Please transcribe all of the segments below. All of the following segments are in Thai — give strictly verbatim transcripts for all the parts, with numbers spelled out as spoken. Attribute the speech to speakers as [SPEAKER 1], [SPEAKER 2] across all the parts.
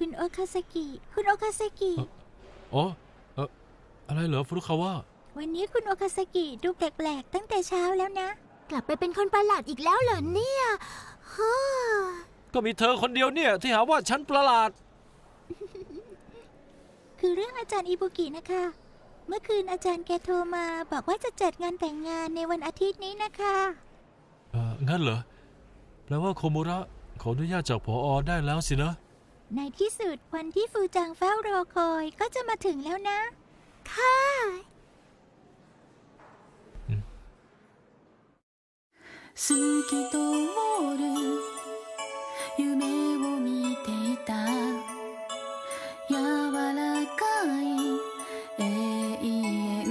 [SPEAKER 1] คุณโอคาซากิคุณโอคาซากิ
[SPEAKER 2] อ๋อเอออะไรเหรอฟุรุคาวะ
[SPEAKER 1] วันนี้คุณโอคาซากิดูแปลกๆตั้งแต่เช้าแล้วนะ
[SPEAKER 3] กลับไปเป็นคนประหลาดอีกแล้วเหรอเนี่ยฮ่า
[SPEAKER 2] ก็มีเธอคนเดียวเนี่ยที่หาว่าฉันประหลาด
[SPEAKER 1] คือเรื่องอาจารย์อิบุกินะคะเมื่อคืนอาจารย์แกโทรมาบอกว่าจะจัดงานแต่งงานในวันอาทิตย์นี้นะคะ
[SPEAKER 2] เอองั้นเหรอแปลว่าโคมุระขออนุญาตจากผอ.ได้แล้วสินะ
[SPEAKER 1] ในที่สุดวันที่ฟูจังเฝ้ารอคอยก็จะมาถึงแล้วนะ
[SPEAKER 3] ค่ะ
[SPEAKER 4] 好き通る夢を見ていた柔らかい永遠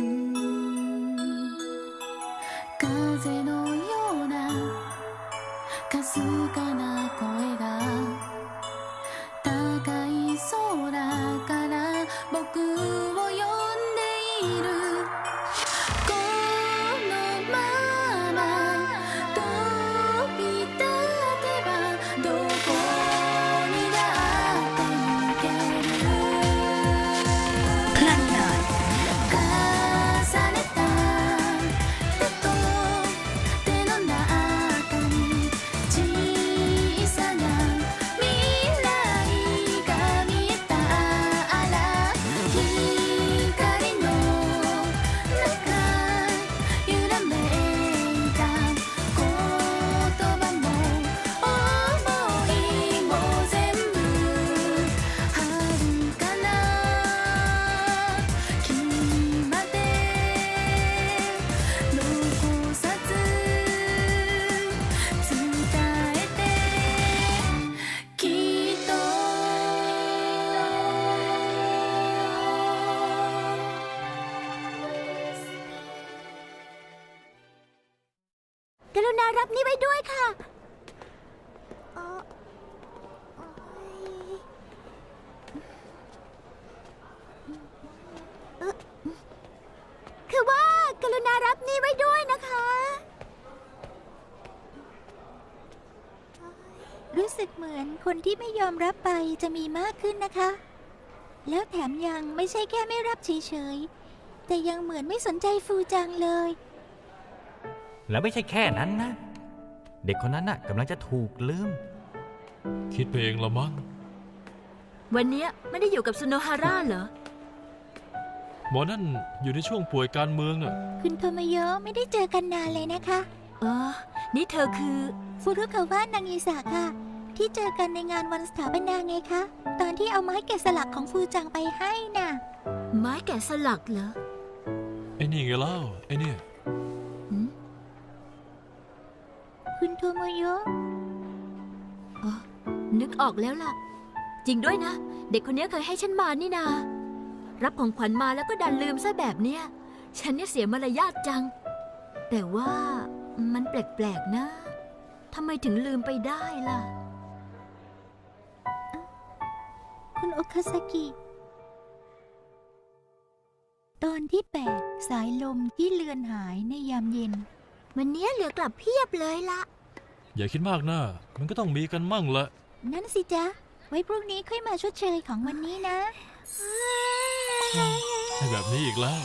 [SPEAKER 4] 風のようなかすかな声が高い空から僕を呼んでいるこのまま飛び立てばどこにだって行ける重ねた手と手の中に小さな未来が見えたら光の中揺らめいた言葉も想いも全部遥かな君まで残さず伝えてきっと
[SPEAKER 3] กรุณารับนี่ไว้ด้วยค่ะเอ่อเอ่อคือว่ากรุณารับนี่ไว้ด้วยนะคะ
[SPEAKER 1] รู้สึกเหมือนคนที่ไม่ยอมรับไปจะมีมากขึ้นนะคะ แล้วแถมยังไม่ใช่แค่ไม่รับเฉยๆแต่ยังเหมือนไม่สนใจฟูจังเลย
[SPEAKER 5] แล้วไม่ใช่แค่นั้นนะ เด็กคนนั้นน่ะกำลังจะถูกลืม
[SPEAKER 2] คิดไปเองละมั้ง
[SPEAKER 3] วันนี้ไม่ได้อยู่กับซุโนฮาร่าเหรอ
[SPEAKER 2] หมอนั่นอยู่ในช่วงป่วยการเมืองน่ะ
[SPEAKER 1] คุณโทโมโยะไม่ได้เจอกันนานเลยนะคะ
[SPEAKER 3] เออ นี่เธอคือ
[SPEAKER 1] ฟุรุคาวะนางอิสาค่ะ ที่เจอกันในงานวันสถาปนาไงคะ ตอนที่เอาไม้แกะสลักของฟูจังไปให้น่ะ
[SPEAKER 3] ไม้แกะสลักเหรอ
[SPEAKER 2] ไอ้นี่ไงเล่าไอ้เนี่ย
[SPEAKER 3] หืม
[SPEAKER 1] คุณโทโมโยะ
[SPEAKER 3] อ๋อนึกออกแล้วล่ะ จริงด้วยนะ เด็กคนนี้เคยให้ฉันมานี่นา รับของขวัญมาแล้วก็ดันลืมซะแบบเนี้ย ฉันเนี่ยเสียมารยาทจัง แต่ว่ามันแปลกๆนะทำไมถึงลืมไปได้ล่ะ
[SPEAKER 1] คุณโอคาซากิ ตอนที่แปดสายลมที่เลือนหายในยามเย็น
[SPEAKER 3] วันนี้เหลือกลับเพียบเลยละ
[SPEAKER 2] อย่าคิดมากนะมันก็ต้องมีกันมั่งละ
[SPEAKER 1] นั่นสิจ๊ะ ไว้พรุ่งนี้ค่อยมาชดเชยของวันนี้นะ
[SPEAKER 2] ให้แบบนี้อีกแล้ว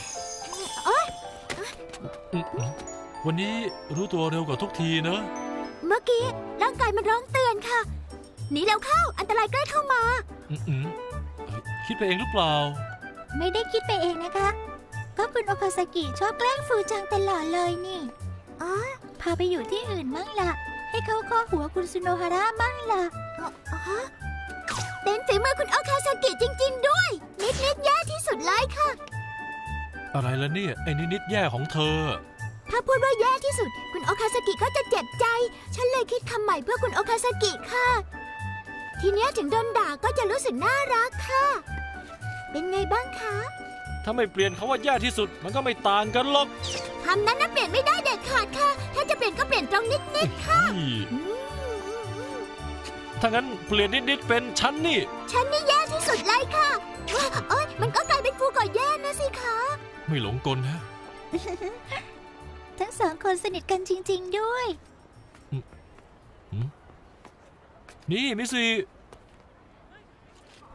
[SPEAKER 2] อืมวันนี้รู้ตัวเร็วกว่าทุกทีเนอะ
[SPEAKER 3] เมื่อกี้ร่างกายมันร้องเตือนค่ะ หนีแล้วเข้า อันตรายใกล้เข้ามา
[SPEAKER 2] อืมเอ้ยคิดไปเองหรือเปล่า
[SPEAKER 1] ไม่ได้คิดไปเองนะคะ ก็คุณโอคาซากิชอบแกล้งฟูจังตลอดเลยนี่
[SPEAKER 3] อ๋อ
[SPEAKER 1] พาไปอยู่ที่อื่นมั่งล่ะ ให้เขาข้อหัวคุณซุโนฮาระมั่งล่ะ
[SPEAKER 3] อ๋อเป็นฝีมือคุณโอคาซากิจริงๆด้วย นิดนิดๆแย่ที่สุดเลยค่ะ
[SPEAKER 2] อะไรละเนี่ยไอ้นิดๆแย่ของเธอ
[SPEAKER 3] ถ้าพูดว่าแย่ที่สุด คุณโอคาซากิก็จะเจ็บใจ ฉันเลยคิดคำใหม่เพื่อคุณโอคาซากิค่ะ ทีเนี้ยถึงโดนด่าก็จะรู้สึกน่ารักค่ะ เป็นไงบ้างคะ
[SPEAKER 2] ถ้าไม่เปลี่ยนคาว่าแย่ที่สุดมันก็ไม่ต่างกันหรอก
[SPEAKER 3] คำนั้นน่ะเปลี่ยนไม่ได้เด็ดขาดค่ะ ถ้าจะเปลี่ยนก็เปลี่ยนตรงนิดนิดๆค่ะ
[SPEAKER 2] นี่
[SPEAKER 3] อืม
[SPEAKER 2] ถ้างั้นเปลี่ยนนิดๆเป็นฉันนี่
[SPEAKER 3] ฉันนี่แย่ที่สุดเลยค่ะว้าเอ้ยมันก็กลายเป็นฟูก่อแย่นะสิคะ
[SPEAKER 2] ไม่หลงกลนะ
[SPEAKER 1] ทั้งสองคนสนิทกันจริงๆด้วย
[SPEAKER 2] นี่มิสซี่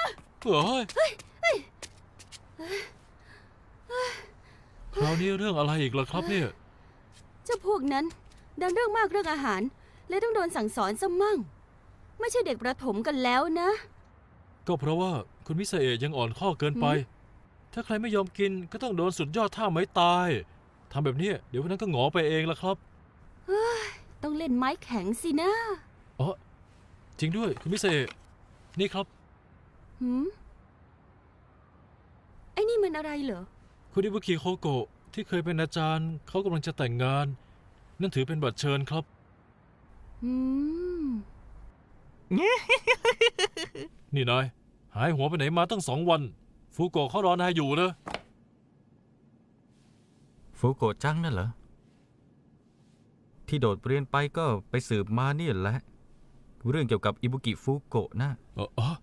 [SPEAKER 2] เฮ้ยคราวนี้เรื่องอะไรอีกล่ะครับเนี่ย
[SPEAKER 6] เจ้าพวกนั้นดันเรื่องมากเรื่องอาหารเลยต้องโดนสั่งสอนซะมั่งไม่ใช่เด็กประถมกันแล้วนะ
[SPEAKER 2] ก็เพราะว่าคุณมิสเอะยังอ่อนข้อเกินไป ถ้าใครไม่ยอมกินก็ต้องโดนสุดยอดท่าไม้ตายทำแบบนี้เดี๋ยวพวกนั้นก็หงอไปเองละครับ
[SPEAKER 6] ต้องเล่นไม้แข็งสินะ
[SPEAKER 2] อ๋อจริงด้วยคุณมิสเอะนี่ครับ
[SPEAKER 6] หืมไอ้นี่มันอะไรเหรอ
[SPEAKER 2] คุณอิบุกิโคโกะที่เคยเป็นอาจารย์เขากำลังจะแต่งงาน นั่นถือเป็นบัตรเชิญครับ
[SPEAKER 6] อืม
[SPEAKER 2] นี่นายหายหัวไปไหนมาตั้งสองวันฟูโกะเขารอนายอยู่นะ
[SPEAKER 5] ฟูโกะจังนั่นเหรอ ที่โดดเรียนไปก็ไปสืบมานี่แหละ เรื่องเกี่ยวกับอิบุกิฟูโกะนะ
[SPEAKER 2] เออเออ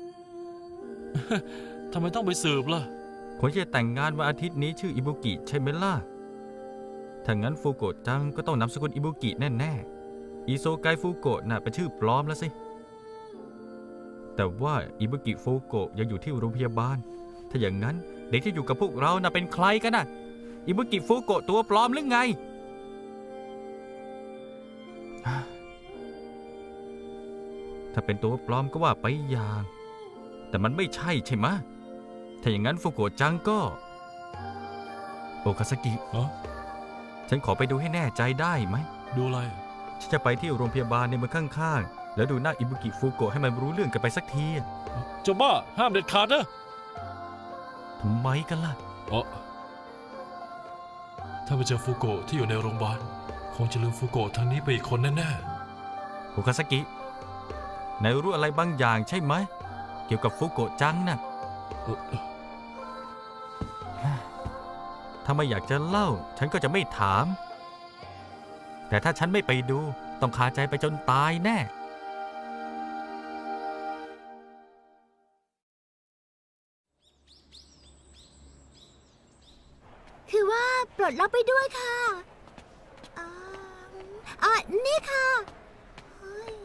[SPEAKER 2] ทำไมต้องไปสืบล่ะ
[SPEAKER 5] คนที่จะแต่งงานวันอาทิตย์นี้ชื่ออิบุกิใช่ไหมล่ะ ถ้างั้นฟูโกะจังก็ต้องนามสกุลอิบุกิแน่ๆ อิโซไกฟูโกะน่ะเป็นชื่อปลอมแล้วสิ แต่ว่าอิบุกิฟูโกะยังอยู่ที่โรงพยาบาล ถ้าอย่างนั้นเด็กที่อยู่กับพวกเราน่ะเป็นใครกันน่ะ อิบุกิฟูโกะตัวปลอมหรือไง ถ้าเป็นตัวปลอมก็ว่าไปอย่าง แต่มันไม่ใช่ใช่ไหมะ ถ้าอย่างนั้นฟูโกะจังก็โอคาซากิ
[SPEAKER 2] เอ้อ
[SPEAKER 5] ฉันขอไปดูให้แน่ใจได้ไหม
[SPEAKER 2] ดูอะไร
[SPEAKER 5] ฉันจะไปที่โรงพยาบาลในเมืองข้างๆ แล้วดูหน้าอิบุกิฟูโกะให้มันรู้เรื่องกันไปสักที
[SPEAKER 2] เจ้าบ้าห้ามเด็ดขาดนะ
[SPEAKER 5] ทำไมกันล่ะ
[SPEAKER 2] อ๋อถ้าไปเจอฟูโกะที่อยู่ในโรงพยาบาลคงจะลืมฟูโกะทางนี้ไปอีกคนแน่
[SPEAKER 5] โอคาซากินายรู้อะไรบางอย่างใช่ไหม เกี่ยวกับฟูโกะจังน่ะ
[SPEAKER 2] ๆเอ่อ
[SPEAKER 5] ถ้าไม่อยากจะเล่า ฉันก็จะไม่ถาม แต่ถ้าฉันไม่ไปดูต้องคาใจไปจนตายแน่
[SPEAKER 1] คือว่าปลดล็อกไปด้วยค่ะอ่าอ่านี่ค่ะเฮ้ย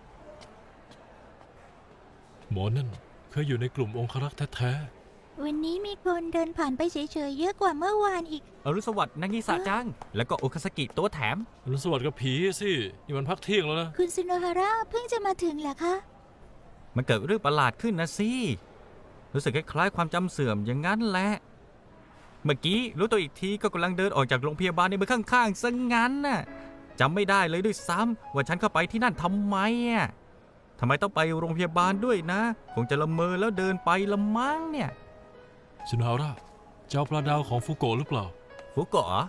[SPEAKER 2] หมอนั่นเคยอยู่ในกลุ่มองครักษ์แท้
[SPEAKER 1] วันนี้มีคนเดินผ่านไปเฉยๆเยอะกว่าเมื่อวานอีก
[SPEAKER 5] อรุณสวัสดิ์นางิสะจัง แล้วก็โอคาซากิตัวแถม
[SPEAKER 2] ๆอรุณสวัสดิ์กับผีสินี่มันพักเที่ยงแล้วนะ
[SPEAKER 1] คุณซุโนฮาระเพิ่งจะมาถึงเหรอคะ
[SPEAKER 5] มันเกิดเรื่องประหลาดขึ้นนะสิ รู้สึกคล้ายๆความจำเสื่อมอย่างนั้นแหละ เมื่อกี้รู้ตัวอีกทีก็กำลังเดินออกจากโรงพยาบาลในเมืองข้างๆซะงั้นน่ะจำไม่ได้เลยด้วยซ้ำว่าฉันเข้าไปที่นั่นทำไมอ่ะทำไมต้องไปโรงพยาบาลด้วยนะ คงจะละเมอแล้วเดินไปละมั้งเนี่ย
[SPEAKER 2] สุนฮาระเจ้าปลาดาวของฟูโกะหรือเปล่า
[SPEAKER 5] ฟุโกะเหรอน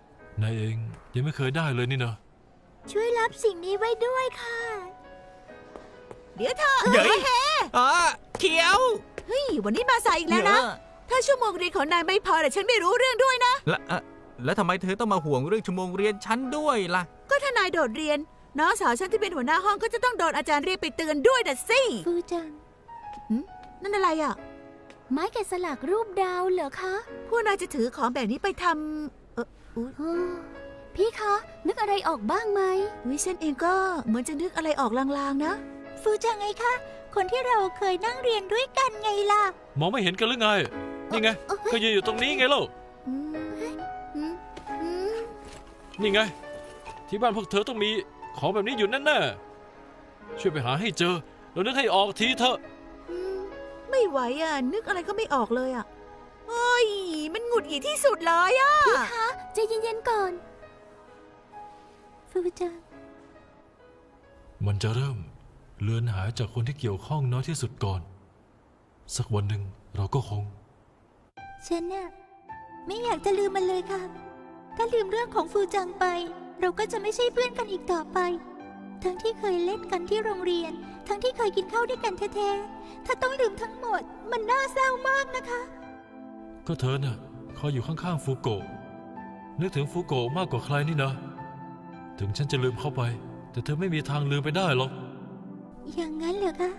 [SPEAKER 2] ายเองยังไม่เคยได้เลยนี่นะ
[SPEAKER 1] ช่วยรับสิ่งนี้ไว้ด้วยค่ะ
[SPEAKER 7] เดี๋ยวเธอ
[SPEAKER 5] เย้ยอ่ะเขียว
[SPEAKER 7] เฮ้ยวันนี้มาสายอีกแล้วนะ ถ้าชั่วโมงเรียนของนายไม่พอแต่ฉันไม่รู้เรื่องด้วยนะ
[SPEAKER 5] แล้วอ่ะแล้วทำไมเธอต้องมาห่วงเรื่องชั่วโมงเรียนฉันด้วยล่ะ
[SPEAKER 7] ก็ถ้านายโดดเรียนน้องสาวฉันที่เป็นหัวหน้าห้องก็จะต้องโดนอาจารย์เรียกไปเตือนด้วยนะสิ
[SPEAKER 1] ฟูจัง
[SPEAKER 7] นั่นอะไรอ่ะ
[SPEAKER 1] ไม้แกะสลักรูปดาวเหรอคะ
[SPEAKER 7] พวกนายจะถือของแบบนี้ไปทำเอออุ๊ย
[SPEAKER 1] โอ้พี่คะ นึกอะไรออกบ้างไหม
[SPEAKER 7] วิฉันเองก็เหมือนจะนึกอะไรออกลางๆนะ
[SPEAKER 1] ฟูจังไงคะ คนที่เราเคยนั่งเรียนด้วยกันไงล่ะ
[SPEAKER 2] มองไม่เห็นกันหรือไง นี่ไง ก็ยืนอยู่ตรงนี้ไงเล่า
[SPEAKER 7] อืมอืมอืม
[SPEAKER 2] นี่ไง ที่บ้านพวกเธอต้องมีของแบบนี้อยู่แน่ๆช่วยไปหาให้เจอแล้วนึกให้ออกทีเถอะ
[SPEAKER 7] อืมไม่ไหวอ่ะ นึกอะไรก็ไม่ออกเลยอ่ะโอ้ยมันหงุดหงิดที่สุดเลยอ่ะ
[SPEAKER 1] พี่คะใจเย็นๆก่อน ฟูจัง
[SPEAKER 2] มันจะเริ่มเลือนหายจากคนที่เกี่ยวข้องน้อยที่สุดก่อน สักวันหนึ่งเราก็คง
[SPEAKER 1] ฉันน่ะไม่อยากจะลืมมันเลยค่ะ ถ้าลืมเรื่องของฟูจังไป เราก็จะไม่ใช่เพื่อนกันอีกต่อไป ทั้งที่เคยเล่นกันที่โรงเรียน ทั้งที่เคยกินข้าวด้วยกันแท้ๆ ถ้าต้องลืมทั้งหมด มันน่าเศร้ามากนะคะ
[SPEAKER 2] ก็เธอน่ะคอยอยู่ข้างๆฟูโกะนึกถึงฟูโกะมากกว่าใครนี่นะ ถึงฉันจะลืมเข้าไป แต่เธอไม่มีทางลืมไปได้หรอก
[SPEAKER 1] อย่างนั้นเหรอคะ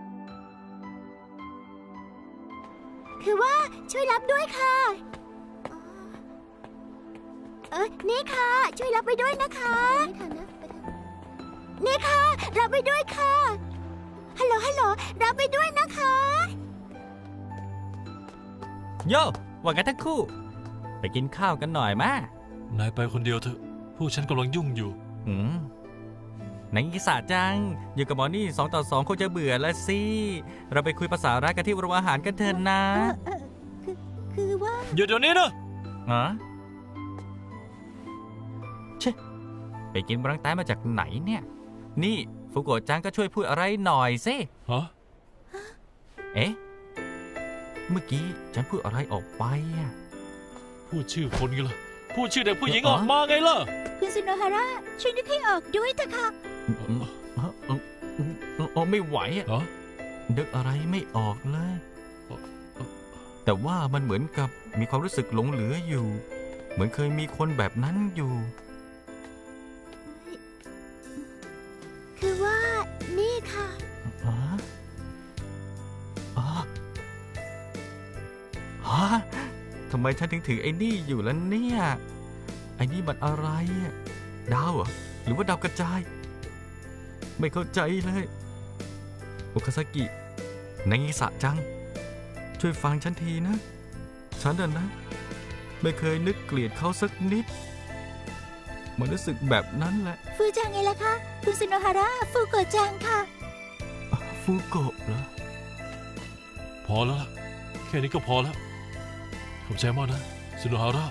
[SPEAKER 1] คือว่าช่วยรับด้วยค่ะ เออนี่ค่ะ ช่วยรับไปด้วยนะคะไม่ทันนะไปทันนี่ค่ะ รับไปด้วยค่ะ ฮัลโหล ฮัลโหล รับไปด้วยนะคะ
[SPEAKER 5] โย่ว่ากันทั้งคู่ ไปกินข้าวกันหน่อยมะ
[SPEAKER 2] นายไปคนเดียวเถอะ พวกฉันกำลังยุ่งอยู่
[SPEAKER 5] อืมนายกิสะจัง อยู่กับหมอนี่สองต่อสองคงจะเบื่อแล้วสิ เราไปคุยภาษารักกันที่โรงอาหารกันเถอะนะ
[SPEAKER 1] เออเออคือคือว่า
[SPEAKER 2] หยุดเดี๋ยวนี้นะ
[SPEAKER 5] ฮะเชะไปกินบรังแตนมาจากไหนเนี่ย นี่ฟุโกะจังก็ช่วยพูดอะไรหน่อยสิ
[SPEAKER 2] ฮะ
[SPEAKER 5] เอ๊ะ เมื่อกี้ฉันพูดอะไรออกไปอะ
[SPEAKER 2] พูดชื่อคนไงล่ะ พูดชื่อเด็กผู้หญิงออกมาไงล่ะ
[SPEAKER 1] คุณซุโนฮาระช่วยนึกให้ออกด้วยเถอะค่ะ
[SPEAKER 5] อืมอืมอืมอืมอืมอืมไม่ไหวอะ
[SPEAKER 2] เหรอ
[SPEAKER 5] นึกอะไรไม่ออกเลย แต่ว่ามันเหมือนกับมีความรู้สึกหลงเหลืออยู่ เหมือนเคยมีคนแบบนั้นอยู่
[SPEAKER 1] คือว่านี่ค่ะ
[SPEAKER 5] ฮะอ๋อฮะทำไมฉันถึงถือไอ้นี่อยู่แล้วเนี่ย ไอ้นี่มันอะไรอะดาวเหรอ หรือว่าดาวกระจาย ไม่เข้าใจเลยโอคาซากินางงิสะจัง ช่วยฟังฉันทีนะ ฉันน่ะนะ ไม่เคยนึกเกลียดเขาสักนิด มันรู้สึกแบบนั้นแหละ
[SPEAKER 1] ฟูจังไงล่ะคะคุณซุโนฮาระฟูโกะจังค่ะ
[SPEAKER 5] ฟูโกะเหรอ
[SPEAKER 2] พอแล้วล่ะ แค่นี้ก็พอแล้ว ขอบใจมากนะซุโนฮาระ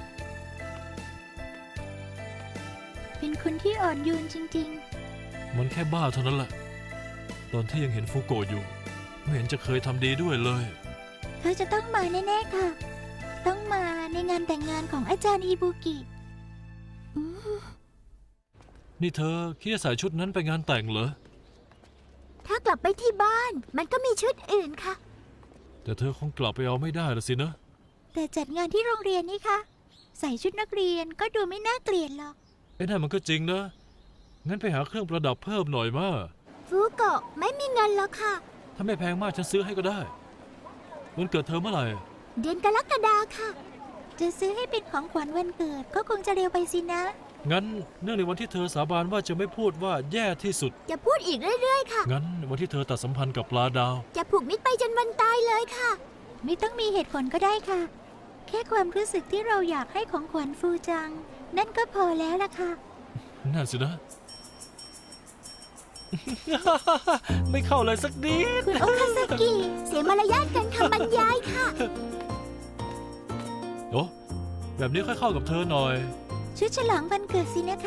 [SPEAKER 1] เป็นคนที่อ่อนโยนจริง
[SPEAKER 2] มันแค่บ้าเท่านั้นแหละ ตอนที่ยังเห็นฟูโกะอยู่ ไม่เห็นจะเคยทำดีด้วยเลย
[SPEAKER 1] ๆ เขาจะต้องมาแน่ๆค่ะ ต้องมาในงานแต่งงานของอาจารย์อิบุกิอืม
[SPEAKER 2] นี่เธอคิดจะใส่ชุดนั้นไปงานแต่งเหรอ
[SPEAKER 1] ถ้ากลับไปที่บ้านมันก็มีชุดอื่นค่ะ
[SPEAKER 2] แต่เธอคงกลับไปเอาไม่ได้ละสินะ
[SPEAKER 1] แต่จัดงานที่โรงเรียนนี่คะใส่ชุดนักเรียนก็ดูไม่น่าเกลียดหรอก
[SPEAKER 2] ไอ้นั่นมันก็จริงนะ งั้นไปหาเครื่องประดับเพิ่มหน่อยมา
[SPEAKER 1] ฟูโกะไม่มีเงินแล้วค่ะ
[SPEAKER 2] ถ้าไม่แพงมากฉันซื้อให้ก็ได้ วันเกิดเธอเมื่อไหร่
[SPEAKER 1] เดือนกรกฎาค่ะ จะซื้อให้เป็นของขวัญวันเกิดก็คงจะเร็วไปสินะ
[SPEAKER 2] งั้นเนื่องในวันที่เธอสาบานว่าจะไม่พูดว่าแย่ที่สุด
[SPEAKER 1] จะพูดอีกเรื่อยๆค่ะ
[SPEAKER 2] งั้นวันที่เธอตัดสัมพันธ์กับปลาดาว
[SPEAKER 1] จะผูกมิตรไปจนวันตายเลยค่ะ ไม่ต้องมีเหตุผลก็ได้ค่ะ แค่ความรู้สึกที่เราอยากให้ของขวัญฟูจัง นั่นก็พอแล้วล่ะค่ะ
[SPEAKER 2] นั่นสินะ ไม่เข้าเลยสักนิด
[SPEAKER 1] คุณโอคาซากิ เสียมารยาทกันคำบรรยายค่ะ
[SPEAKER 2] โอ้แบบนี้ค่อยเข้ากับเธอหน่อย
[SPEAKER 1] ชุดฉลองวันเกิดสินะคะ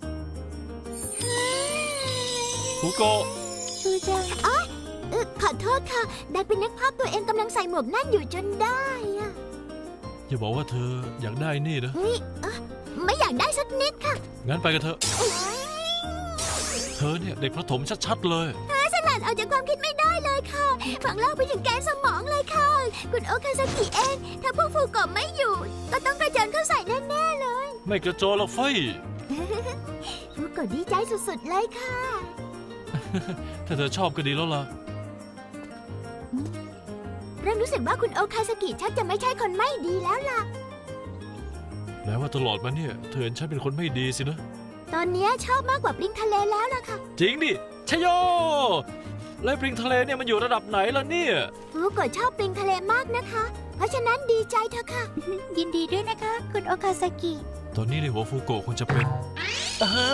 [SPEAKER 2] ฟูโกะ
[SPEAKER 1] ฟูจังอ๋อเออขอโทษค่ะดันเป็นนึกภาพตัวเองกำลังใส่หมวกนั่นอยู่จนได้อะ
[SPEAKER 2] อย่าบอกว่าเธออยากได้นี่นะ
[SPEAKER 1] เฮ้ยเอ้อไม่อยากได้สักนิดค่ะ
[SPEAKER 2] งั้นไปกันเถอะ เธอเนี่ยเด็กประถมชัดๆเลย
[SPEAKER 1] สลัดออกจากความคิดไม่ได้เลยค่ะ ฝังเล่าไปถึงแกนสมองเลยค่ะ คุณโอคาซากิเอง ถ้าพวกฟูโกะไม่อยู่ ก็ต้องกระเจิงเข้าใส่แน่ๆเลย
[SPEAKER 2] ไม่กระโจนหรอกเฟ้ย
[SPEAKER 1] ฟูโกะดีใจสุดๆเลยค่ะ
[SPEAKER 2] ถ้าเธอชอบก็ดีแล้วล่ะ
[SPEAKER 1] เริ่มรู้สึกว่าคุณโอคาซากิชักจะไม่ใช่คนไม่ดีแล้วล่ะ
[SPEAKER 2] แม้ว่าตลอดมาเนี่ย เธอเห็นฉันเป็นคนไม่ดีสินะ
[SPEAKER 1] ตอนนี้ชอบมากกว่าปลิงทะเลแล้วล่ะค่ะ
[SPEAKER 2] จริงดิชโยแล้วปริงทะเลเนี่ยมันอยู่ระดับไหนล่ะเนี่ย
[SPEAKER 1] ฟูโกะชอบปลิงทะเลมากนะคะ เพราะฉะนั้นดีใจเถอะค่ะ ยินดีด้วยนะคะ คุณโอคาซากิ
[SPEAKER 2] ตอนนี้ในหัวฟูโกะคงจะเป็นอ่าฮะ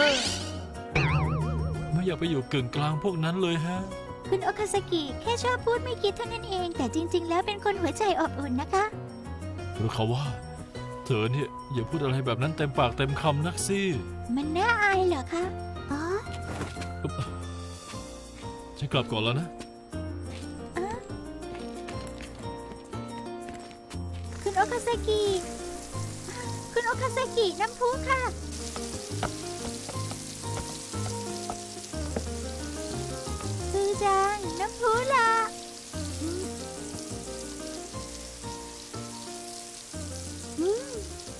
[SPEAKER 2] ไม่อยากไปอยู่กึ่งกลางพวกนั้นเลยฮะ
[SPEAKER 1] คุณโอคาซากิแค่ชอบพูดไม่คิดเท่านั้นเอง แต่จริง ๆ แล้วเป็นคนหัวใจอบอุ่นนะคะ
[SPEAKER 2] หรือเขาว่า เธอเนี่ยอย่าพูดอะไรแบบนั้นเต็มปากเต็มคำนักสิ
[SPEAKER 1] มันน่าอายเหรอคะ อ๋อ
[SPEAKER 2] ฉันกลับก่อนแล้วนะ
[SPEAKER 1] คุณโอคาซากิ คุณโอคาซากิน้ำพุค่ะ ฟูจังน้ำพุล่ะ อืม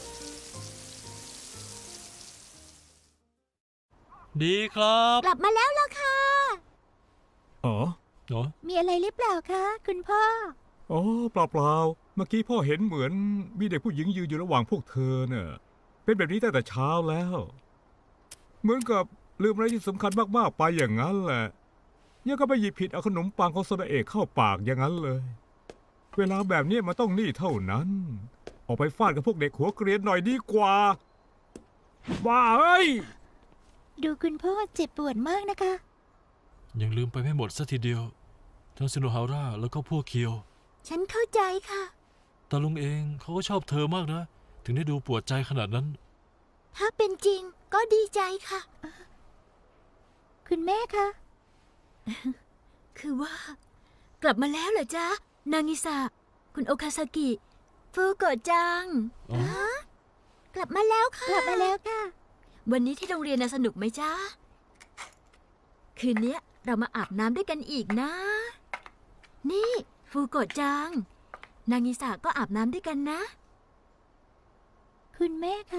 [SPEAKER 2] ดีครับ
[SPEAKER 1] กลับมาแล้วล่ะค่ะ
[SPEAKER 8] อ๋อ
[SPEAKER 2] เนาะ
[SPEAKER 1] มีอะไรหรือเปล่าคะ คุณพ่อ
[SPEAKER 8] อ๋อเปล่าเปล่าๆเมื่อกี้พ่อเห็นเหมือนมีเด็กผู้หญิงยืนอยู่ระหว่างพวกเธอเน่ะเป็นแบบนี้ตั้งแต่เช้าแล้ว เหมือนกับลืมอะไรที่สำคัญมากๆไปอย่างนั้นแหละยังก็ไปหยิบผิดเอาขนมปังของโซดาเอกเข้าปากอย่างนั้นเลย เวลาแบบนี้มันต้องนี่เท่านั้น ออกไปฟาดกับพวกเด็กหัวเกรียนหน่อยดีกว่าบ้าเอ้ย
[SPEAKER 1] ดูคุณพ่อเจ็บปวดมากนะคะ
[SPEAKER 2] ยังลืมไปไม่หมดสัทีเดียว ทั้งซิโนฮาร่าแล้วก็พวกเคียว
[SPEAKER 3] ฉันเข้าใจค่ะ
[SPEAKER 2] แต่ลุงเองเขาก็ชอบเธอมากนะ ถึงได้ดูปวดใจขนาดนั้น
[SPEAKER 3] ถ้าเป็นจริงก็ดีใจค่ะ
[SPEAKER 1] คุณแม่คะ
[SPEAKER 3] คือว่า กลับมาแล้วเหรอจ๊ะ นางิสะ คุณโอคาซากิ ฟูโกะจัง
[SPEAKER 2] อ๋อ
[SPEAKER 3] ฮะกลับมาแล้วค่ะ
[SPEAKER 1] กลับมาแล้วค่ะ
[SPEAKER 3] วันนี้ที่โรงเรียนน่ะสนุกไหมจ๊ะ คืนเนี้ยเรามาอาบน้ำด้วยกันอีกนะ นี่ฟูโกะจัง นางิสะก็อาบน้ำด้วยกันนะ
[SPEAKER 1] คุณแม่คะ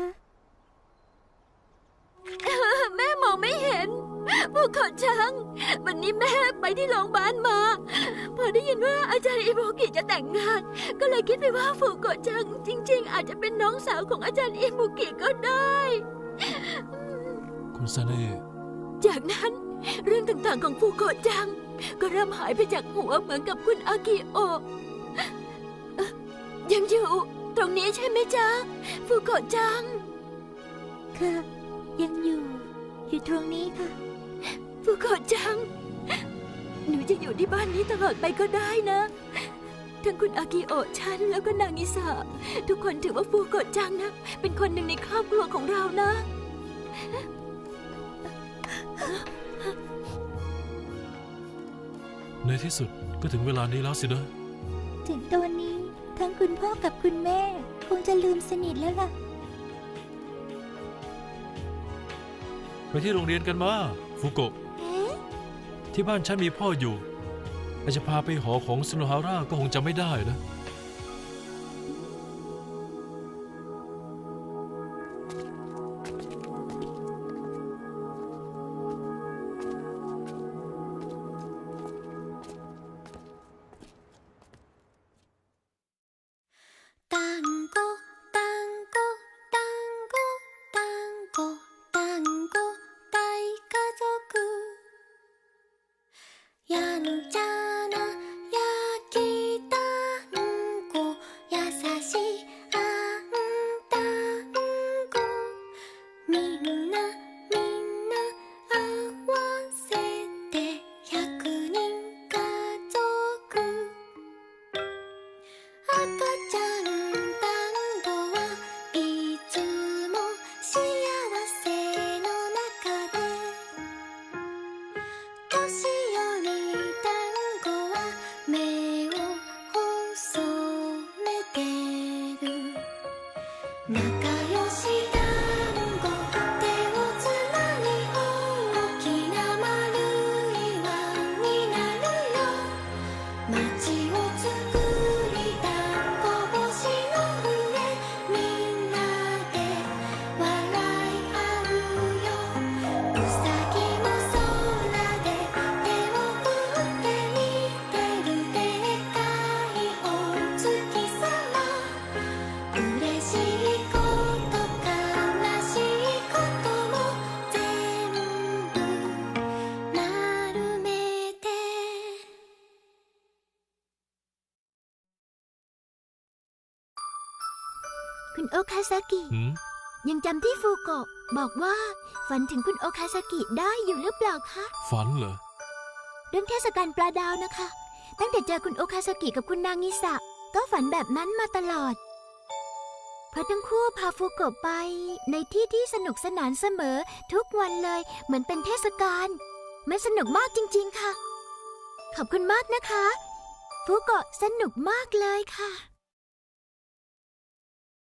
[SPEAKER 3] แม่มองไม่เห็นฟูโกะจัง วันนี้แม่ไปที่โรงพยาบาลมา พอได้ยินว่าอาจารย์อิโบกิจะแต่งงาน ก็เลยคิดไปว่าฟูโกะจัง จริง ๆ อาจจะเป็นน้องสาวของอาจารย์อิโบกิก็ได้
[SPEAKER 2] คุณซาเน่
[SPEAKER 3] จากนั้นเรื่องต่างๆของฟูโกะจัง ก็เริ่มหายไปจากหัวเหมือนกับคุณอากิโอะเอ๊ะยังอยู่ตรงนี้ใช่ไหมจ๊ะฟูโกะจัง
[SPEAKER 1] ค่ะ ยังอยู่ อยู่ตรงนี้ค่ะ
[SPEAKER 3] ฟูโกะจัง หนูจะอยู่ที่บ้านนี้ตลอดไปก็ได้นะ ทั้งคุณอากิโอะฉันแล้วก็นางิสะทุกคนถือว่าฟูโกะจังนะ เป็นคนหนึ่งในครอบครัวของเรานะ
[SPEAKER 2] ในที่สุดก็ถึงเวลานี้แล้วสินะ
[SPEAKER 1] ถึงตอนนี้ทั้งคุณพ่อกับคุณแม่ คงจะลืมสนิทแล้วล่ะ
[SPEAKER 2] ไปที่โรงเรียนกันมาฟูโกะที่บ้านฉันมีพ่ออยู่อาจจะพาไปหอของซิโนฮาร่าก็คงจะไม่ได้นะ
[SPEAKER 4] 単語単語単語単語単語大家族やんちゃな焼き団子優しいあん団子みんなみんな合わせてひゃくにん家族赤ちゃん団子はいつも幸せの中で年寄り団子は目を細めてる仲良し団子手をつなぎ大きな丸い輪になるよ街を作り団子星の上みんなで笑い合うようさぎも空で手を振って見てるでっかいお月さま嬉しいこと悲しいことも全部丸めて
[SPEAKER 3] คุณโอคาซากิ
[SPEAKER 2] หืม
[SPEAKER 3] ยังจำที่ฟูโกะบอกว่าฝันถึงคุณโอคาซากิได้อยู่หรือเปล่าคะ
[SPEAKER 2] ฝันเหรอ
[SPEAKER 3] เรื่องเทศกาลปลาดาวนะคะ ตั้งแต่เจอคุณโอคาซากิกับคุณนางิสะก็ฝันแบบนั้นมาตลอด เพราะทั้งคู่พาฟูโกะไปในที่ที่สนุกสนานเสมอทุกวันเลยเหมือนเป็นเทศกาลมันสนุกมากจริงๆค่ะ ขอบคุณมากนะคะ ฟูโกะสนุกมากเลยค่ะ